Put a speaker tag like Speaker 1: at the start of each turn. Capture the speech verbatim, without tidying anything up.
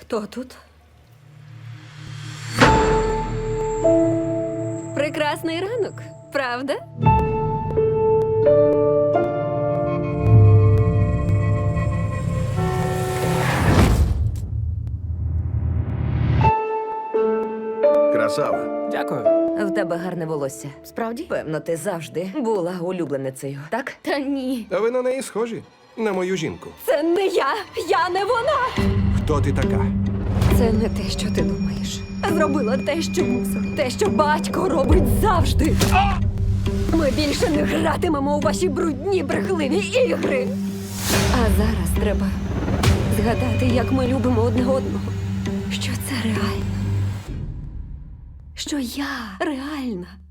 Speaker 1: Хто тут? Прекрасний ранок, правда?
Speaker 2: Красава.
Speaker 3: Дякую.
Speaker 4: В тебе гарне волосся.
Speaker 1: Справді?
Speaker 4: Певно, ти завжди була улюбленицею, так?
Speaker 1: Та ні.
Speaker 2: А ви на неї схожі? На мою жінку.
Speaker 1: Це не я! Я не вона!
Speaker 2: Хто ти така?
Speaker 1: Це не те, що ти думаєш. Зробила те, що мусила. Те, що батько робить завжди. Ми більше не гратимемо у ваші брудні, брехливі ігри. А зараз треба згадати, як ми любимо одне одного. Що це реально. Що я реальна.